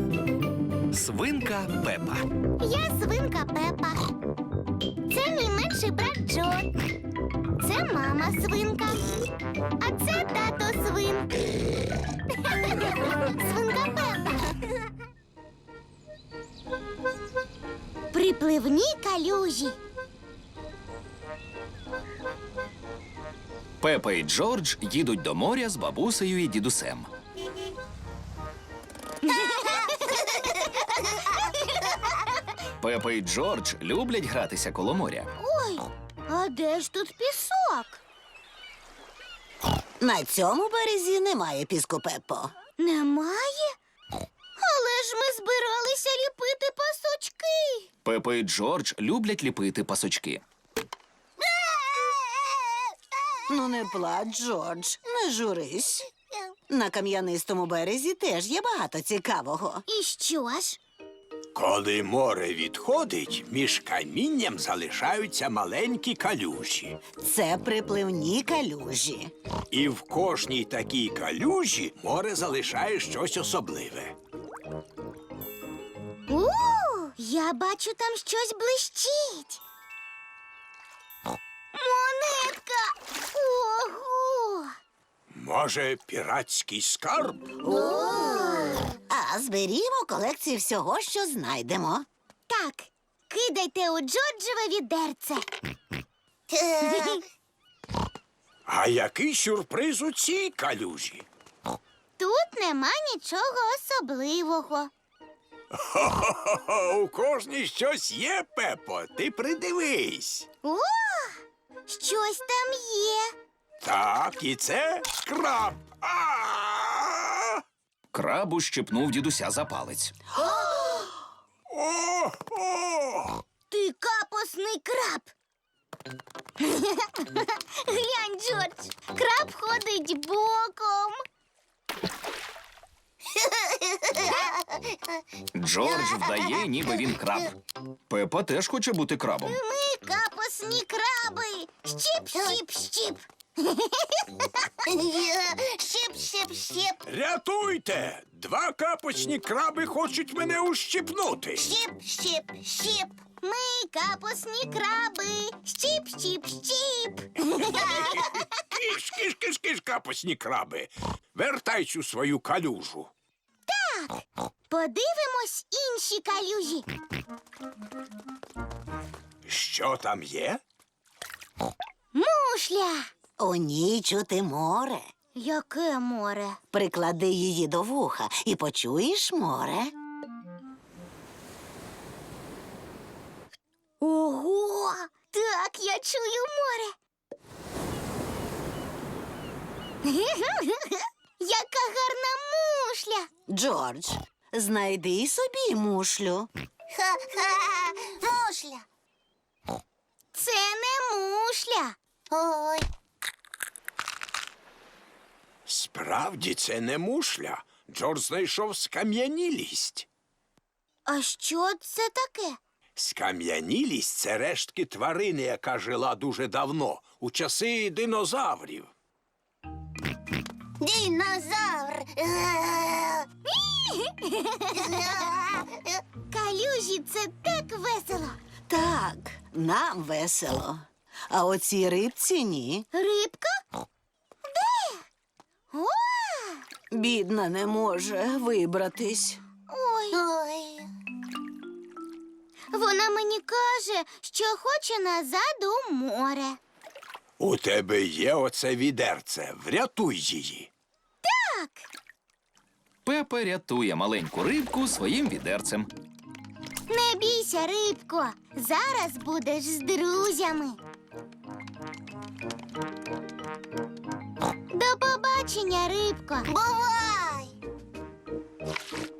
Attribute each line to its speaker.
Speaker 1: Свинка Пепа.
Speaker 2: Я свинка Пепа. Це мій менший брат Джо. Це мама свинка. А це тато свин. Свинка Пепа. Припливні калюжі.
Speaker 1: Пепа і Джордж їдуть до моря з бабусею і дідусем. Пепа і Джордж люблять гратися коло моря.
Speaker 2: Ой, а де ж тут пісок?
Speaker 3: На цьому березі немає піску, Пеппо.
Speaker 2: Немає? Але ж ми збиралися ліпити пасочки.
Speaker 1: Пепа і Джордж люблять ліпити пасочки.
Speaker 3: Ну не плач, Джордж, не журись. На кам'янистому березі теж є багато цікавого.
Speaker 2: І що ж?
Speaker 4: Коли море відходить, між камінням залишаються маленькі калюжі.
Speaker 3: Це припливні калюжі.
Speaker 4: І в кожній такій калюжі море залишає щось особливе.
Speaker 2: Я бачу, там щось блищить. Монетка! Ого!
Speaker 4: Може, піратський скарб?
Speaker 3: А зберімо колекцію всього, що знайдемо.
Speaker 2: Так, кидайте у Джорджеве відерце.
Speaker 4: А який сюрприз у цій калюжі?
Speaker 2: Тут нема нічого особливого.
Speaker 4: Хо-хо-хо, у кожній щось є, Пепо, ти придивись.
Speaker 2: О, щось там є.
Speaker 4: Так, і це краб. А!
Speaker 1: Краб ущипнув дідуся за палець.
Speaker 4: О!
Speaker 2: Ти капосний краб. Глянь, Джордж, краб ходить боком.
Speaker 1: Джордж вдає, ніби він краб. Пепа теж хоче бути крабом.
Speaker 2: Ми капосні краби. Щіп, щіп, щіп. Щіп, щіп, щіп.
Speaker 4: Рятуйте! Два капочні краби хочуть мене ущипнути.
Speaker 2: Щіп, щіп, щіп. Ми капосні краби. Щіп, щіп, щіп.
Speaker 4: Киш, киш, киш, киш, капочні краби. Вертайся у свою калюжу.
Speaker 2: Подивимось інші калюжі.
Speaker 4: Що там є?
Speaker 2: Мушля.
Speaker 3: У ній чути море.
Speaker 2: Яке море?
Speaker 3: Приклади її до вуха і почуєш море.
Speaker 2: Ого! Так, я чую море. Яка гарна мушля.
Speaker 3: Джордж, знайди собі мушлю.
Speaker 2: Ха-ха, мушля. Це не мушля. Ой.
Speaker 4: Справді, це не мушля. Джордж знайшов скам'янілість.
Speaker 2: А що це таке?
Speaker 4: Скам'янілість – це рештки тварини, яка жила дуже давно, у часи динозаврів.
Speaker 2: Динозавр. Калюжі – це так весело.
Speaker 3: Так, нам весело. А оцій рибці ні.
Speaker 2: Рибка? Де? О!
Speaker 3: Бідна не може вибратись.
Speaker 2: Ой. Ой. Вона мені каже, що хоче назад у море.
Speaker 4: У тебе є оце відерце. Врятуй її.
Speaker 2: Так.
Speaker 1: Пепа рятує маленьку рибку своїм відерцем.
Speaker 2: Не бійся, рибко. Зараз будеш з друзями. До побачення, рибко. Бувай!